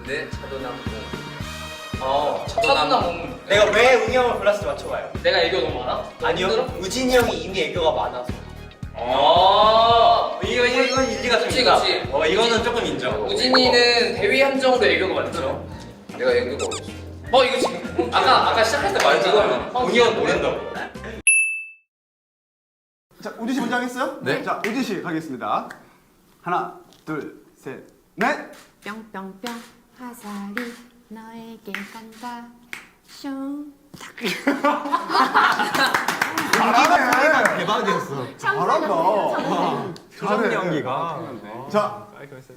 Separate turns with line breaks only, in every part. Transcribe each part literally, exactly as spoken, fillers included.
네, 차도남 웅.
어,
차도남 웅.
내가 왜 웅이 형을 골랐을지 맞춰봐요.
내가 애교 너무 많아?
아니요, 우진이 형이 이미 애교가 많아서.
아,
이거 이건 일리가 좀
그치,
있다.
그치.
어, 이거는 조금 인정.
우진이는 대위 함정으로 애교가 많죠. 내가 애교가 없어. 어, 이거 지금 아까 아까 시작할 때 말했잖아.
웅이 형 모른다고.
자, 우지 씨 먼저 하겠어요?
네.
자, 우지 씨 가겠습니다. 하나, 둘, 셋, 넷.
뿅뿅뿅 화살이 너에게 간다 슝
잘하네.
대박이었어.
잘한다.
조정 연기가.
자,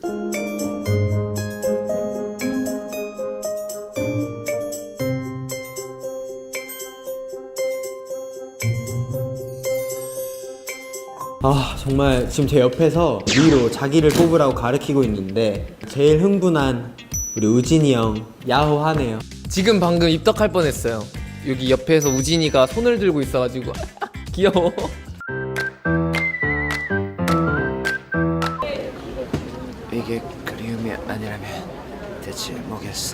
아 정말 지금 제 옆에서 위로 자기를 뽑으라고 가르치고 있는데 제일 흥분한 우리 우진이 형 야호하네요.
지금 방금 입덕할 뻔했어요. 여기 옆에서 우진이가 손을 들고 있어가지고 귀여워.
이게 그리움이 아니라면 대체 뭐겠어?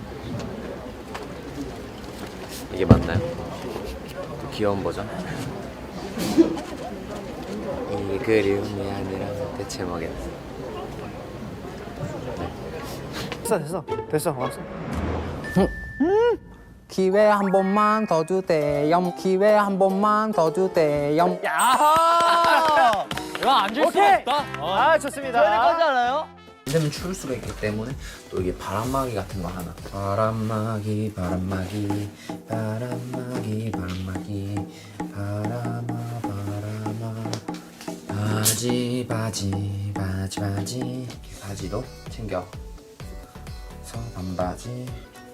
이게 맞나요? 그 귀여운 버전? 이 그리움이 아니라면 대체 뭐겠어?
됐어 됐어 됐어 왔어. 음 기회 한 번만 더 주대요. 기회 한 번만 더 주대요.
야, 이거 앉을 수가 없다.
아, 좋습니다. 저희까지 알아요?
되면 추울 수가 있기 때문에 또 이게 바람막이 같은 거 하나. 바람막이 바람막이 바람막이 바람막이 바람아 바람아 바지 바지 바지 바지 바지도 챙겨 서 반바지.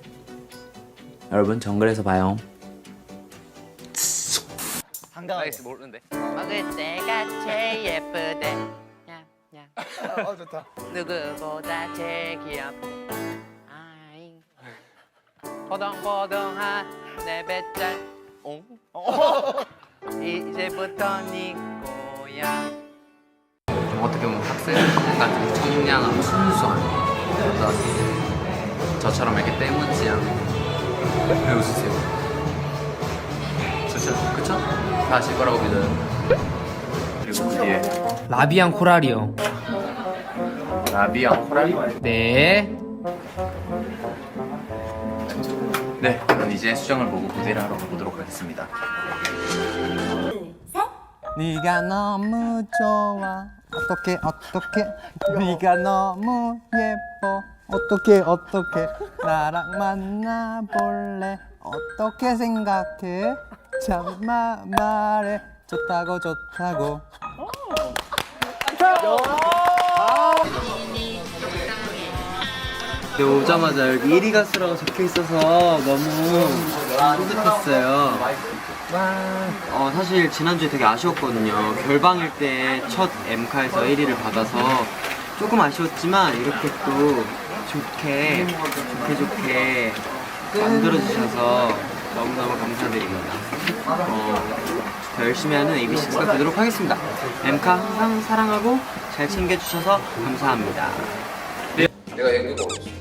여러분 정글에서 봐요.
나이스 모르는데.
먹을 때가 제일 예쁘대 냠냠
어, 좋다.
누구보다 제일 귀엽대 아잉 포동포동한 내 배짱 옹 이제부터 네 거야.
어떻게 보면 학생 같은 청량하고 순수한 어떤 저처럼 이렇게 때묻지 않은 왜 웃으세요? 그쵸? 그쵸? 다 아실 거라고 믿어요. 그리고 그 뒤에
라비앙 코랄이요.
라비앙 코랄.
네.
네, 그럼 이제 수정을 보고 무대를 하러 가보도록 하겠습니다.
네가 너무 좋아. 어떻게 어떻게 네가 너무 예뻐. 어떻게 어떻게 나랑 만나볼래. 어떻게 생각해. 참마 말해. 좋다고 좋다고. 근데 오자마자 여기 일 위 가수라고 적혀 있어서 너무 뿌듯했어요. 어, 사실 지난주에 되게 아쉬웠거든요. 결방일 때 첫 엠카에서 일 위를 받아서 조금 아쉬웠지만 이렇게 또 좋게 좋게 좋게 만들어주셔서 너무너무 감사드립니다. 어, 더 열심히 하는 에이비식스가 되도록 하겠습니다. 엠카 항상 사랑하고 잘 챙겨주셔서 감사합니다.
내가 애교가 없어.